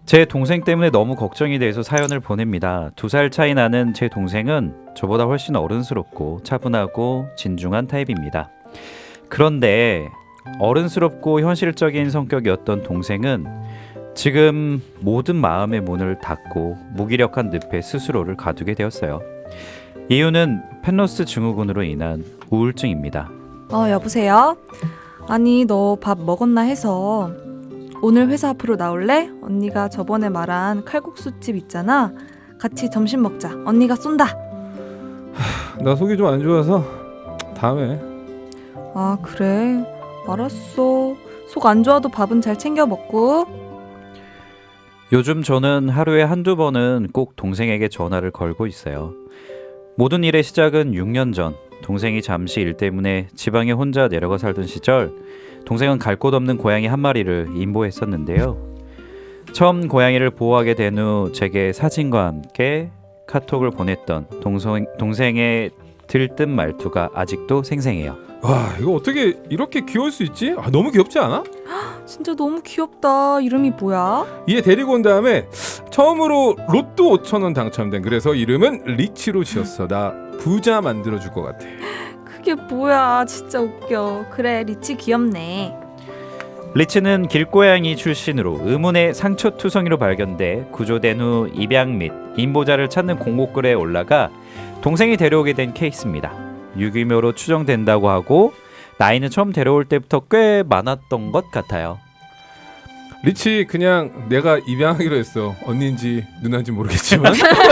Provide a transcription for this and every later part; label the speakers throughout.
Speaker 1: 제 동생 때문에 너무 걱정이 돼서 사연을 보냅니다. 2살 차이 나는 제 동생은 저보다 훨씬 어른스럽고 차분하고 진중한 타입입니다. 그런데 어른스럽고 현실적인 성격이었던 동생은 지금 모든 마음의 문을 닫고 무기력한 늪에 스스로를 가두게 되었어요. 이유는 펜로스 증후군으로 인한 우울증입니다.
Speaker 2: 여보세요? 아니, 너 밥 먹었나 해서 오늘 회사 앞으로 나올래? 언니가 저번에 말한 칼국수집 있잖아. 같이 점심 먹자. 언니가 쏜다.
Speaker 3: 나 속이 좀 안 좋아서 다음에.
Speaker 2: 아, 그래. 알았어. 속 안 좋아도 밥은 잘 챙겨 먹고.
Speaker 1: 요즘 저는 하루에 한두 번은 꼭 동생에게 전화를 걸고 있어요. 모든 일의 시작은 6년 전 동생이 잠시 일 때문에 지방에 혼자 내려가 살던 시절 동생은 갈 곳 없는 고양이 한 마리를 임보했었는데요. 처음 고양이를 보호하게 된 후 제게 사진과 함께 카톡을 보냈던 동생의 들뜬 말투가 아직도 생생해요.
Speaker 3: 와, 이거 어떻게 이렇게 귀여울 수 있지? 너무 귀엽지 않아?
Speaker 2: 진짜 너무 귀엽다. 이름이 뭐야?
Speaker 3: 얘 데리고 온 다음에 처음으로 로또 5,000원 당첨된. 그래서 이름은 리치로 지었어. 나 부자 만들어줄 것 같아.
Speaker 2: 그게 뭐야. 진짜 웃겨. 그래, 리치 귀엽네.
Speaker 1: 리치는 길고양이 출신으로 의문의 상처투성이로 발견돼 구조된 후 입양 및 임보자를 찾는 공고글에 올라가 동생이 데려오게 된 케이스입니다. 유기묘로 추정된다고 하고 나이는 처음 데려올 때부터 꽤 많았던 것 같아요.
Speaker 3: 리치 그냥 내가 입양하기로 했어. 언니인지 누나인지 모르겠지만.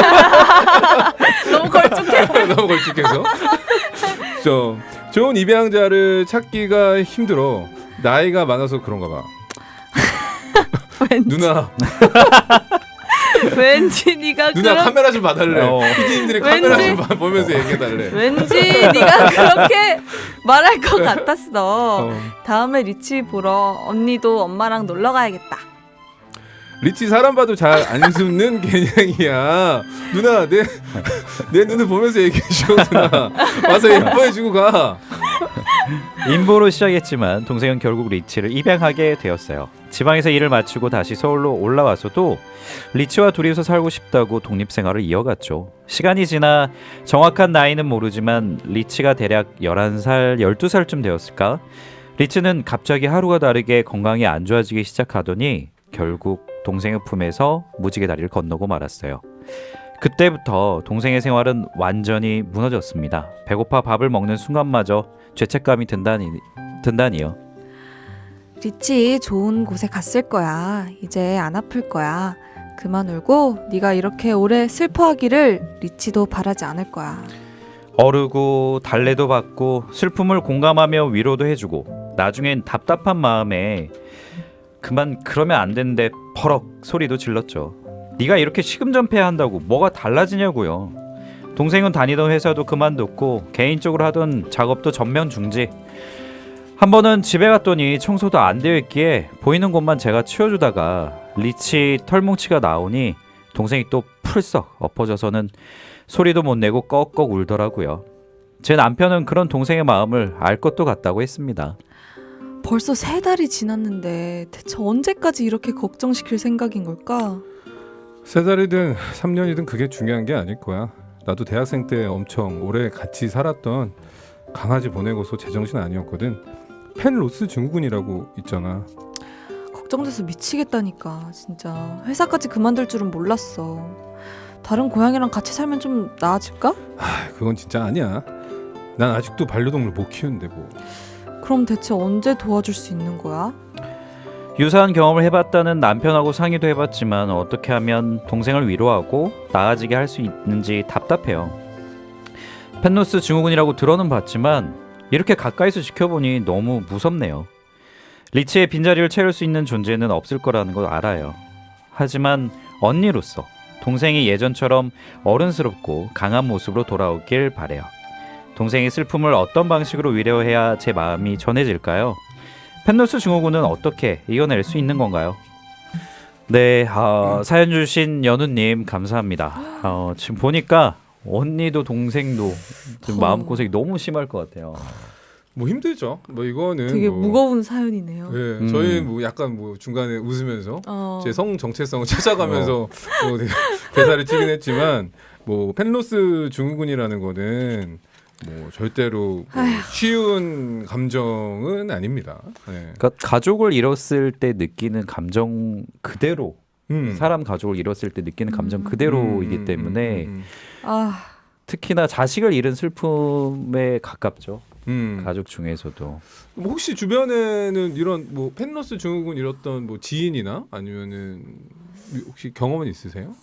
Speaker 2: 너무 걸쭉해.
Speaker 3: 너무 걸쭉해서. 좋은 입양자를 찾기가 힘들어. 나이가 많아서 그런가 봐.
Speaker 2: 왠지,
Speaker 3: 누나
Speaker 2: 왠지 네가
Speaker 3: 누나 카메라 좀 봐달래. 피디님들이 카메라
Speaker 2: 왠지-
Speaker 3: 좀 보면서 얘기해달래.
Speaker 2: 왠지 네가 그렇게 말할 것 같았어. 다음에 리치 보러 언니도 엄마랑 놀러 가야겠다.
Speaker 3: 리치 사람 봐도 잘 안 숨는 개냥이야. 누나 내 눈을 보면서 얘기해줘. 누나 와서 예뻐해주고 가.
Speaker 1: 임보로 시작했지만 동생은 결국 리치를 입양하게 되었어요. 지방에서 일을 마치고 다시 서울로 올라와서도 리치와 둘이서 살고 싶다고 독립생활을 이어갔죠. 시간이 지나 정확한 나이는 모르지만 리치가 대략 11살, 12살쯤 되었을까? 리치는 갑자기 하루가 다르게 건강이 안 좋아지기 시작하더니 결국 동생의 품에서 무지개 다리를 건너고 말았어요. 그때부터 동생의 생활은 완전히 무너졌습니다. 배고파 밥을 먹는 순간마저 죄책감이 든다니요.
Speaker 2: 리치 좋은 곳에 갔을 거야. 이제 안 아플 거야. 그만 울고 네가 이렇게 오래 슬퍼하기를 리치도 바라지 않을 거야.
Speaker 1: 어르고 달래도 받고 슬픔을 공감하며 위로도 해주고 나중엔 답답한 마음에 그만 그러면 안 되는데 버럭 소리도 질렀죠. 네가 이렇게 시금전폐한다고 뭐가 달라지냐고요. 동생은 다니던 회사도 그만뒀고 개인적으로 하던 작업도 전면 중지. 한 번은 집에 갔더니 청소도 안 되어 있기에 보이는 곳만 제가 치워주다가 리치 털뭉치가 나오니 동생이 또 풀썩 엎어져서는 소리도 못 내고 꺽꺽 울더라고요. 제 남편은 그런 동생의 마음을 알 것도 같다고 했습니다.
Speaker 2: 벌써 3달이 지났는데 대체 언제까지 이렇게 걱정시킬 생각인 걸까?
Speaker 3: 3달이든 3년이든 그게 중요한 게 아닐 거야. 나도 대학생 때 엄청 오래 같이 살았던 강아지 보내고서 제정신 아니었거든. 펜로스 증후군이라고 있잖아.
Speaker 2: 걱정돼서 미치겠다니까. 진짜 회사까지 그만둘 줄은 몰랐어. 다른 고양이랑 같이 살면 좀 나아질까?
Speaker 3: 그건 진짜 아니야. 난 아직도 반려동물 못 키우는데 뭐.
Speaker 2: 그럼 대체 언제 도와줄 수 있는 거야?
Speaker 1: 유사한 경험을 해봤다는 남편하고 상의도 해봤지만 어떻게 하면 동생을 위로하고 나아지게 할 수 있는지 답답해요. 펜로스 증후군이라고 들어는 봤지만 이렇게 가까이서 지켜보니 너무 무섭네요. 리치의 빈자리를 채울 수 있는 존재는 없을 거라는 걸 알아요. 하지만 언니로서 동생이 예전처럼 어른스럽고 강한 모습으로 돌아오길 바래요. 동생의 슬픔을 어떤 방식으로 위로해야 제 마음이 전해질까요? 펜로스 증후군은 어떻게 이겨낼 수 있는 건가요? 네, 사연 주신 연우님 감사합니다. 지금 보니까 언니도 동생도 지금 마음고생이 너무 심할 것 같아요.
Speaker 3: 뭐 힘들죠. 뭐 이거는
Speaker 2: 되게
Speaker 3: 뭐,
Speaker 2: 무거운 사연이네요.
Speaker 3: 예, 저희 뭐 약간 뭐 중간에 웃으면서 제 성 정체성을 찾아가면서 뭐 대사를 치긴 했지만 뭐 펜로스 증후군이라는 거는 뭐 절대로 뭐 쉬운 감정은 아닙니다. 예.
Speaker 1: 그러니까 가족을 잃었을 때 느끼는 감정 그대로 사람 가족을 잃었을 때 느끼는 감정 그대로이기 때문에
Speaker 2: 아,
Speaker 1: 특히나 자식을 잃은 슬픔에 가깝죠.
Speaker 3: 음.
Speaker 1: 가족 중에서도.
Speaker 3: 뭐 혹시 주변에는 이런 뭐 펜로스 증후군 잃었던 뭐 지인이나 아니면은 혹시 경험은 있으세요?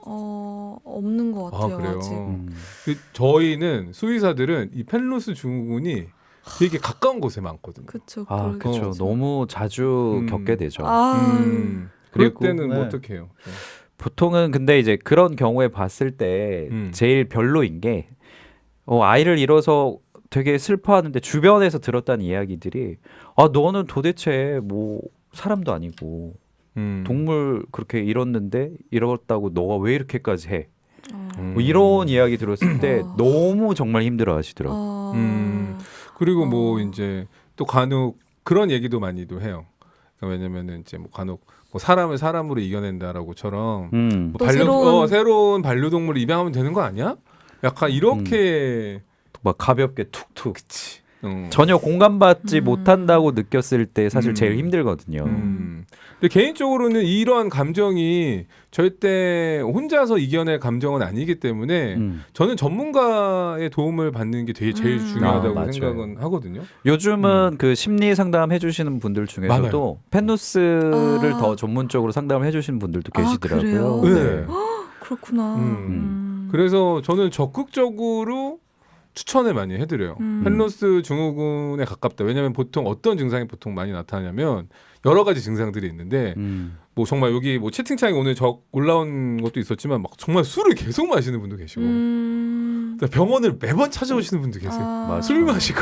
Speaker 2: 없는 것 같아요.
Speaker 3: 그래요.
Speaker 2: 아직.
Speaker 3: 그 저희는 수의사들은 이 펜로스 증후군이 되게 가까운 곳에 많거든요.
Speaker 2: 그쵸.
Speaker 1: 아, 그렇죠.
Speaker 2: 그렇죠.
Speaker 1: 너무 자주
Speaker 3: 음.
Speaker 1: 겪게 되죠.
Speaker 3: 그럴
Speaker 1: 그리고
Speaker 3: 때는 뭐
Speaker 1: 네.
Speaker 3: 어떻게 해요?
Speaker 1: 보통은 근데 이제 그런 경우에 봤을 때 제일 별로인 게 아이를 잃어서 되게 슬퍼하는데 주변에서 들었다는 이야기들이 너는 도대체 뭐 사람도 아니고 동물 그렇게 잃었는데 잃었다고 너가 왜 이렇게까지 해? 뭐 이런 이야기 들었을 때 너무 정말 힘들어 하시더라고요.
Speaker 3: 그리고 뭐 이제 또 간혹 그런 얘기도 많이도 해요. 그러니까 왜냐면은 이제 뭐 간혹 뭐 사람을 사람으로 이겨낸다라고처럼 뭐
Speaker 2: 또
Speaker 3: 새로운 반려동물을 입양하면 되는 거 아니야? 약간 이렇게
Speaker 1: 막 가볍게 툭툭.
Speaker 3: 그치.
Speaker 1: 전혀 공감받지 못한다고 느꼈을 때 사실 제일 힘들거든요.
Speaker 3: 근데 개인적으로는 이러한 감정이 절대 혼자서 이겨낼 감정은 아니기 때문에 저는 전문가의 도움을 받는 게 되게 제일 중요하다고
Speaker 1: 맞아요.
Speaker 3: 생각은 하거든요.
Speaker 1: 요즘은 그 심리 상담 해주시는 분들 중에서도
Speaker 3: 많아요.
Speaker 1: 펜누스를 더 전문적으로 상담을 해주시는 분들도 계시더라고요.
Speaker 3: 그래요?
Speaker 1: 네.
Speaker 2: 그렇구나.
Speaker 3: 그래서 저는 적극적으로 추천을 많이 해드려요. 펜로스 증후군에 가깝다. 왜냐하면 보통 어떤 증상이 보통 많이 나타나냐면 여러 가지 증상들이 있는데 뭐 정말 여기 뭐 채팅창에 오늘 올라온 것도 있었지만 막 정말 술을 계속 마시는 분도 계시고 병원을 매번 찾아오시는 분도 계세요. 술 마시고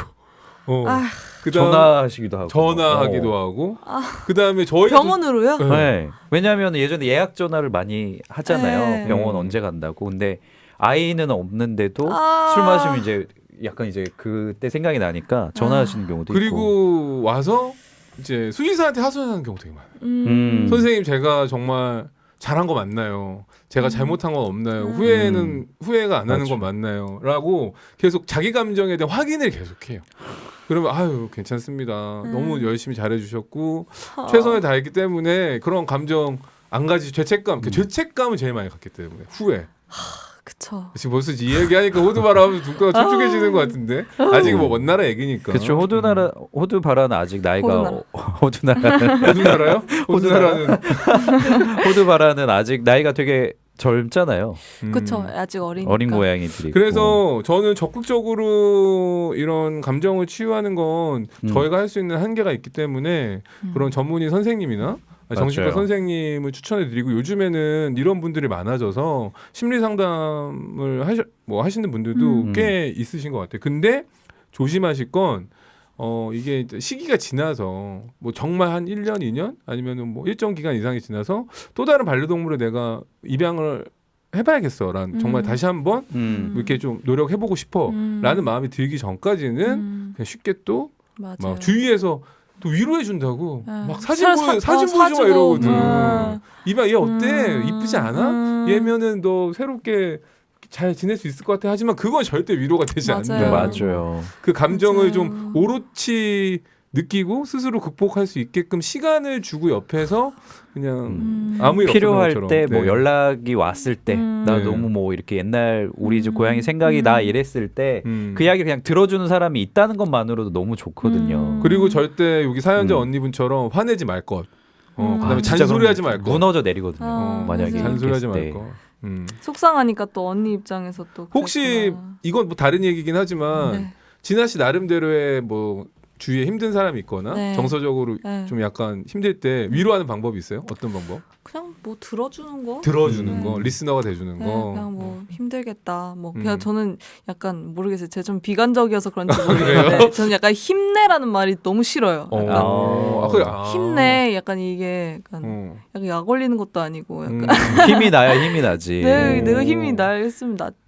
Speaker 1: 전화하시기도 하고
Speaker 3: 전화하기도 하고 그다음에 저희
Speaker 2: 병원으로요?
Speaker 1: 네. 왜냐하면 예전에 예약 전화를 많이 하잖아요.
Speaker 2: 네.
Speaker 1: 병원 언제 간다고. 근데 아이는 없는데도 술 마시면 이제 약간 이제 그때 생각이 나니까 전화하시는 경우도 있고.
Speaker 3: 그리고 와서 이제 수의사한테 하소연하는 경우 되게 많아요. 선생님 제가 정말 잘한 거 맞나요? 제가 잘못한 건 없나요? 후회가 안 하는 건 맞나요? 라고 계속 자기 감정에 대한 확인을 계속해요. 그러면 아유 괜찮습니다. 너무 열심히 잘해주셨고 최선을 다했기 때문에 그런 감정 안 가지 죄책감, 그 죄책감을 제일 많이 갖기 때문에 후회.
Speaker 2: 그쵸.
Speaker 3: 지금 벌써 이 얘기하니까 호두바라하면 눈가가 촉촉해지는 것 같은데 아직 뭐 먼 나라 얘기니까.
Speaker 1: 그렇죠. 호두바라는 아직 나이가
Speaker 2: 호두나라.
Speaker 3: 호두나라요? 호두나라는
Speaker 1: 호두바라는 아직 나이가 되게 젊잖아요.
Speaker 2: 그쵸. 아직 어리니까.
Speaker 1: 어린 고양이들이.
Speaker 3: 그래서 저는 적극적으로 이런 감정을 치유하는 건 저희가 할 수 있는 한계가 있기 때문에 그런 전문의 선생님이나 정신과
Speaker 1: 맞아요.
Speaker 3: 선생님을 추천해드리고 요즘에는 이런 분들이 많아져서 심리 상담을 하시는 분들도 꽤 있으신 것 같아요. 근데 조심하실 건 이게 이제 시기가 지나서 뭐 정말 한 1년, 2년 아니면은 뭐 일정 기간 이상이 지나서 또 다른 반려동물을 내가 입양을 해봐야겠어라는 정말 다시 한번 이렇게 좀 노력해보고 싶어라는 마음이 들기 전까지는 그냥 쉽게 또 막 주위에서 또 위로해 준다고 막 사진 보여줘 막 이러거든. 이봐 얘 어때? 이쁘지 않아? 얘면은 너 새롭게 잘 지낼 수 있을 것 같아. 하지만 그건 절대 위로가 되지 않는다.
Speaker 1: 맞아요.
Speaker 3: 그 감정을 좀 오롯이 느끼고 스스로 극복할 수 있게끔 시간을 주고 옆에서 그냥 아무 일
Speaker 1: 필요할
Speaker 3: 없었던
Speaker 1: 때
Speaker 3: 것처럼.
Speaker 1: 뭐 연락이 왔을 때 나
Speaker 3: 네.
Speaker 1: 너무 뭐 이렇게 옛날 우리 집 고양이 생각이 나 이랬을 때 그 이야기 그냥 들어주는 사람이 있다는 것만으로도 너무 좋거든요.
Speaker 3: 그리고 절대 여기 사연자 언니분처럼 화내지 말 것. 그다음에
Speaker 1: 진짜
Speaker 3: 잔소리하지 말 것.
Speaker 1: 무너져 내리거든요. 만약에
Speaker 3: 잔소리하지
Speaker 1: 이렇게
Speaker 3: 말
Speaker 1: 했을
Speaker 3: 것.
Speaker 2: 속상하니까 또 언니 입장에서 또
Speaker 3: 혹시
Speaker 2: 그랬구나.
Speaker 3: 이건 뭐 다른 얘기긴 하지만
Speaker 2: 네.
Speaker 3: 진아 씨 나름대로의 뭐 주위에 힘든 사람이 있거나
Speaker 2: 네.
Speaker 3: 정서적으로
Speaker 2: 네.
Speaker 3: 좀 약간 힘들 때 위로하는 방법이 있어요? 어떤 방법?
Speaker 2: 그냥 뭐 들어주는 거?
Speaker 3: 들어주는 거, 리스너가 돼주는
Speaker 2: 네,
Speaker 3: 거.
Speaker 2: 그냥 뭐 힘들겠다. 뭐 그냥 저는 약간 모르겠어요. 제가 좀 비관적이어서 그런지 모르겠는데
Speaker 3: 그래요?
Speaker 2: 저는 약간 힘내라는 말이 너무 싫어요. 약간
Speaker 3: 그래.
Speaker 2: 힘내. 약간 이게 약간 약 올리는 것도 아니고 약간
Speaker 1: 힘이 나야 힘이 나지.
Speaker 2: 내가 힘이 나겠으면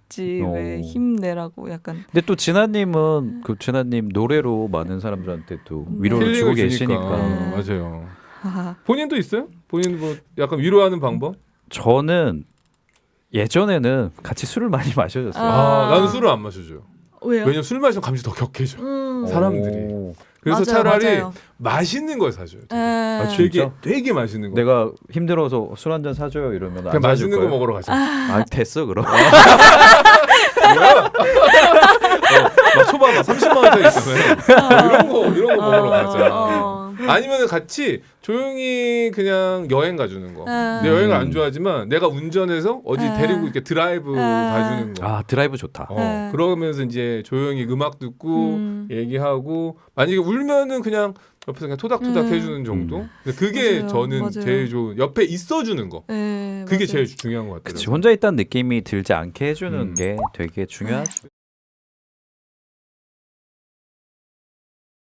Speaker 2: 있지. 왜
Speaker 1: 오.
Speaker 2: 힘내라고 약간.
Speaker 1: 근데 또 진아님은 그 진아님 노래로 많은 사람들한테 또 위로를 주고
Speaker 3: 힐링을 주니까.
Speaker 1: 계시니까.
Speaker 3: 맞아요.
Speaker 2: 하하.
Speaker 3: 본인도 있어요? 본인 뭐 약간 위로하는 방법?
Speaker 1: 저는 예전에는 같이 술을 많이 마셔줬어요.
Speaker 2: 아.
Speaker 3: 나는 술을 안 마셔줘요.
Speaker 2: 왜요?
Speaker 3: 왜냐면 술 마시면 감기 더 격해져.
Speaker 2: 음.
Speaker 3: 사람들이.
Speaker 1: 오.
Speaker 3: 그래서
Speaker 2: 맞아요,
Speaker 3: 차라리
Speaker 2: 맞아요.
Speaker 3: 맛있는 걸 사줘요.
Speaker 2: 에.
Speaker 1: 아,
Speaker 3: 되게
Speaker 1: 진짜?
Speaker 3: 되게 맛있는 거.
Speaker 1: 내가 힘들어서 술 한 잔 사줘요 이러면
Speaker 3: 그냥
Speaker 1: 안 사줄
Speaker 3: 맛있는 거
Speaker 1: 거예요?
Speaker 3: 먹으러 가자.
Speaker 1: 아 됐어 그럼.
Speaker 3: 뭐야? 막 초반 막 30만 원짜리 있잖아요. 이런 거 먹으러 가자. 아니면 같이 조용히 그냥 여행 가주는 거. 내 여행을 안 좋아하지만 내가 운전해서 어디 데리고 이렇게 드라이브 가주는 거.
Speaker 1: 아 드라이브 좋다.
Speaker 3: 그러면서 이제 조용히 음악 듣고 얘기하고 만약에 울면은 그냥 옆에서 그냥 토닥토닥 해주는 정도. 근데 그게
Speaker 2: 맞아요.
Speaker 3: 저는
Speaker 2: 맞아요.
Speaker 3: 제일 좋은. 옆에 있어주는 거.
Speaker 2: 네,
Speaker 3: 그게
Speaker 2: 맞아요.
Speaker 3: 제일 중요한 것 같아요.
Speaker 1: 그치 혼자 있다는 느낌이 들지 않게 해주는
Speaker 3: 음.
Speaker 1: 게 되게 중요하죠.